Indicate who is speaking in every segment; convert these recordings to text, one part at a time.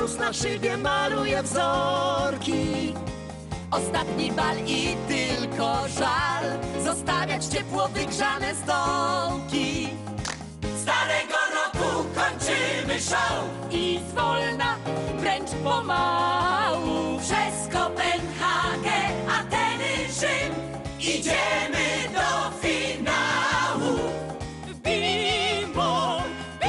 Speaker 1: Mróz na szybie maluje wzorki.
Speaker 2: Ostatni bal i tylko żal zostawiać ciepło wygrzane stołki.
Speaker 1: Starego roku kończymy show
Speaker 2: I zwolna, wręcz pomału,
Speaker 1: przez Kopenhagę, Ateny, Rzym idziemy do finału.
Speaker 2: Bim bom,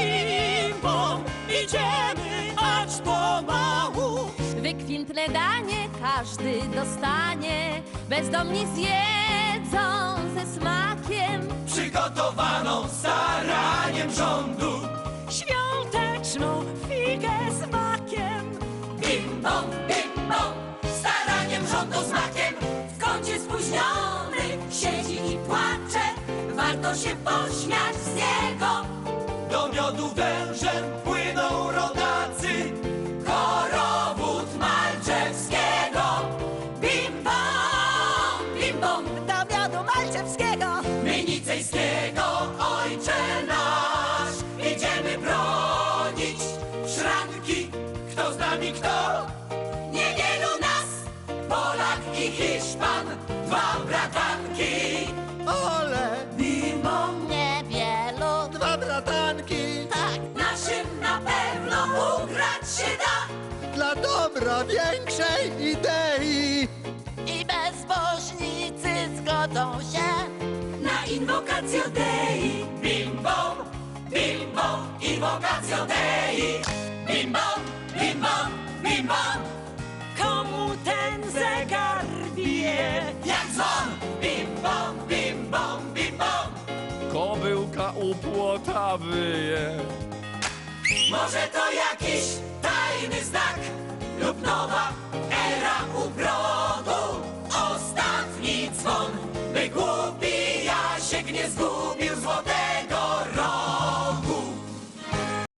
Speaker 2: idziemy aż pomału. Wykwintne danie każdy dostanie, bezdomni zjedzą ze smakiem
Speaker 1: Przygotowaną staraniem rządu
Speaker 2: świąteczną figę z makiem.
Speaker 1: bim bom, staraniem rządu z makiem. W kącie spóźniony siedzi i płacze, warto się pośmiać z niego. Do miodu wężem płyną rodacy, korowód Malczewskiego. Bim bom,
Speaker 2: Do miodu malczewskiego.
Speaker 1: my Nicejskiego, ojcze nasz, idziemy bronić szranki. Kto z nami, kto? Niewielu nas, Polak i Hiszpan, dwa bratanki.
Speaker 3: Ole,
Speaker 1: Bim bom,
Speaker 2: Niewielu.
Speaker 3: dwa bratanki,
Speaker 1: naszym na pewno ugrać się da.
Speaker 3: dla dobra większej idei.
Speaker 2: I bezbożnicy zgodzą się
Speaker 1: Na inwokacjo Dei. Bim bom, inwokacjo Dei. Bim bom, bim bom.
Speaker 2: komu ten zegar bije.
Speaker 1: Jak dzwon, bim bom.
Speaker 4: Kobyłka u płota wyje.
Speaker 1: Może to jakiś tajny znak lub nowa era ubrodu. Ostatni dzwon, by głupi Jasiek nie zgubił.